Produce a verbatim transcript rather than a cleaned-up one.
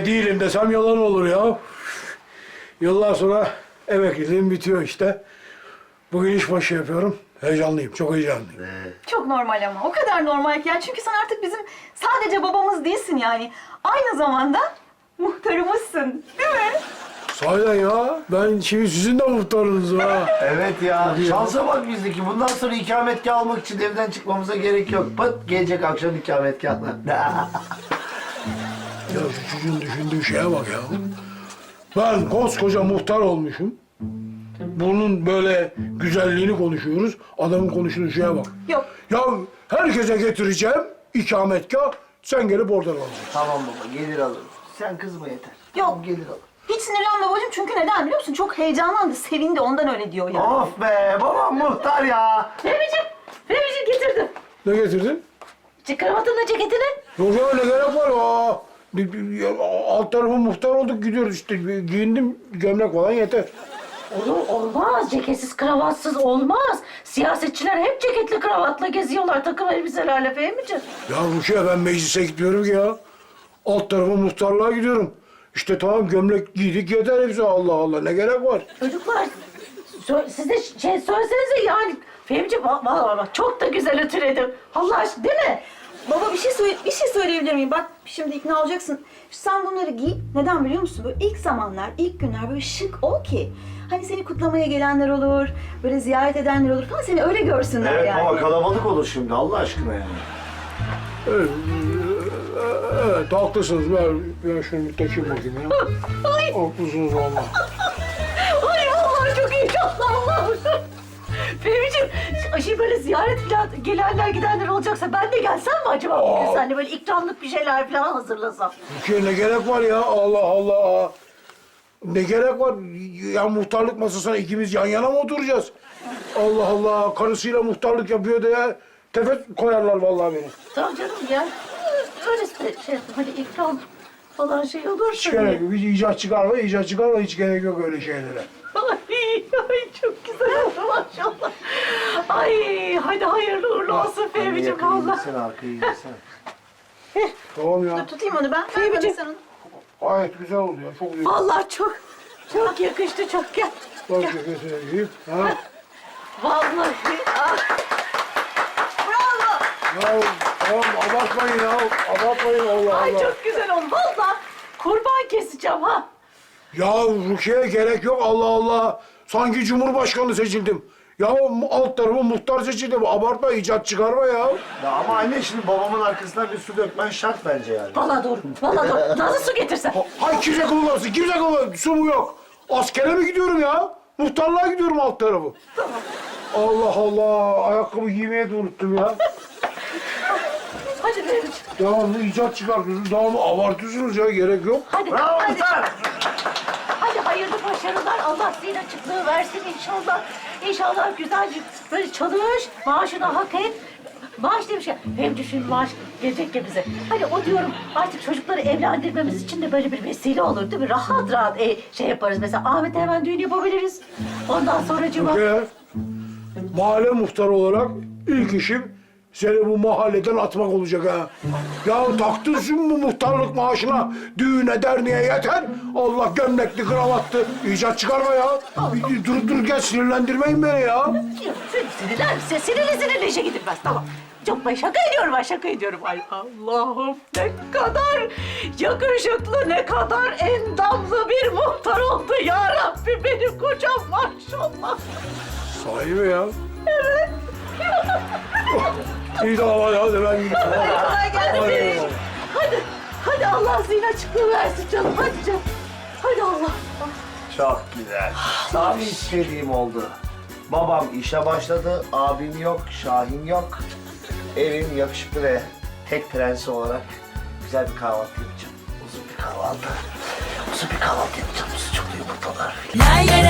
değilim desem yalan olur ya. Yıllar sonra emekliliğim bitiyor işte. Bugün işbaşı yapıyorum. Heyecanlıyım, çok heyecanlıyım. Çok normal ama. O kadar normal ki. Yani çünkü sen artık bizim sadece babamız değilsin yani. Aynı zamanda muhtarımızsın. Değil mi? Sahiden ya, ben şimdi sizin de muhtarınızım ha. Evet ya, şansa bak bizdeki. Bundan sonra ikametgah almak için evden çıkmamıza gerek yok. Pıt, gelecek akşam ikametgahlar. Ya şu çocuğun düşündüğü şeye bak ya. Ben koskoca muhtar olmuşum. Bunun böyle güzelliğini konuşuyoruz. Adamın konuştuğu şeye bak. Yok. Ya herkese getireceğim ikametgah. Sen gelip oradan alacaksın. Tamam baba, gelir alırım. Sen kızma yeter. Yok. Tamam, gelir alırım. Hiç sinirlenme babacığım çünkü neden biliyor musun? Çok heyecanlandı, sevindi ondan öyle diyor yani. Of be, babam muhtar ya. Fehmi'ciğim, Fehmi'ciğim getirdim. Ne getirdin? Kravatınla ceketini. Yok ya ne gerek var ya. Bir- bir- ya, Alt tarafı muhtar olduk gidiyoruz işte. Bir giyindim gömlek falan yeter. Olur, olmaz. Ceketsiz, kravatsız olmaz. Siyasetçiler hep ceketli, kravatla geziyorlar. Takım elbiselerle Fehmi'ciğim. Ya Rukiye ben meclise gitmiyorum ki ya. Alt tarafı muhtarlığa gidiyorum. İşte tamam gömlek giydik yeter hepsi. Allah Allah ne gerek var? Çocuklar, sö- siz de şey söylesenize yani. Fehmi'ciğim bak, bak, bak, çok da güzel ütüledim. Allah aşkına değil mi? Baba bir şey söyle bir şey söyleyebilir miyim? Bak şimdi ikna olacaksın. Sen bunları giy. Neden biliyor musun? Böyle ilk zamanlar, ilk günler böyle şık ol ki. Hani seni kutlamaya gelenler olur, böyle ziyaret edenler olur falan seni öyle görsünler Evet yani. baba, kalabalık olur şimdi Allah aşkına yani. Evet, evet haklısınız. Ben, ben şunu bir takayım bakayım ya. Ay, Haklısınız valla. ay vallahi çok heyecanlandım. Fehmi'ciğim, şimdi böyle ziyaret falan gelenler gidenler olacaksa ben de gelsem mi acaba bugün seninle böyle ikramlık bir şeyler falan hazırlasam? Rukiye ne gerek var ya? Allah Allah. Ne gerek var? Ya muhtarlık masasına ikimiz yan yana mı oturacağız? Allah Allah. Karısıyla muhtarlık yapıyor diye tefet koyarlar vallahi beni. Tamam canım ya. Öyle de şey yaptım. Hani ikram falan şey olursa. Hiç gerek yok. Hiç icat çıkarma, icat çıkarma. Hiç gerek yok öyle şeylere. Ay, ay çok güzel oldu maşallah. Ay hadi hayırlı uğurlu olsun Fehmi'ciğim valla. Gitsene arkaya gitsene. Tamam ya. Dur tutayım onu ben. Ver bana sen onu. Gayet güzel oldu ya. Çok güzel. Vallahi çok çok yakıştı çok gel. Bak ceketine giyip. Ha? Vallahi ah. Bravo. Ya tamam abartmayın ya. Abartmayın Allah Ay Allah. çok güzel oldu valla. Kurban keseceğim ha. Ya Rukiye gerek yok Allah Allah. Sanki Cumhurbaşkanı seçildim. Ya alt tarafı muhtar seçildim. Abartma, icat çıkarma ya. Ya ama anne şimdi babamın arkasından bir su dökmen şart bence yani. Valla doğru. Valla doğru. Nasıl su getirsen. Hay kimse kullansın, kimse kullansın. Su mu yok? Askere mi gidiyorum ya? Muhtarlığa gidiyorum alt tarafı. Tamam. Allah Allah, ayakkabı giymeyi de unuttum ya. Hadi Fehmi'ciğim. Devamlı icat çıkartıyorsunuz, devamlı abartıyorsunuz ya, gerek yok. Hadi. Bravo hadi. muhtar! Hadi hayırlı başarılar. Allah zihin açıklığı versin inşallah. İnşallah güzelce böyle çalış, maaşını hak et. Maaş demiş ya, hem düşün maaş gelecek ya bize. Hani o diyorum artık çocukları evlendirmemiz için de böyle bir vesile olur değil mi? Rahat rahat e, şey yaparız mesela Ahmet'e hemen düğün yapabiliriz. Ondan sonra cuma... Rukiye, mahalle muhtarı olarak ilk işim seni bu mahalleden atmak olacak ha. Ya taktın şimdi bu muhtarlık maaşına düğüne derneğe yeter. Allah gömlekli kravatlı icat çıkarma ya. Bir Dur dur gel sinirlendirmeyin beni ya. Sinirlense sinirli sinirli işe gidilmez tamam. Çok ben şaka ediyorum ben şaka ediyorum. Ay Allah'ım ne kadar yakışıklı ne kadar endamlı bir muhtar oldu ya Rabbi benim kocam maşallah. Sahi mi ya? Evet. İyi tamam hadi, hadi ben gidiyorum. Kolay gelsin. Hadi. Hadi hadi Allah zihin açıklığı versin canım hadi canım. Hadi Allah. Çok güzel. Tam istediğim oldu. Babam işe başladı, abim yok, Şahin yok. Evim yakışıklı ve tek prensi olarak güzel bir kahvaltı yapacağım. Uzun bir kahvaltı. Uzun bir kahvaltı yapacağım. Sucuklu yumurtalar. La la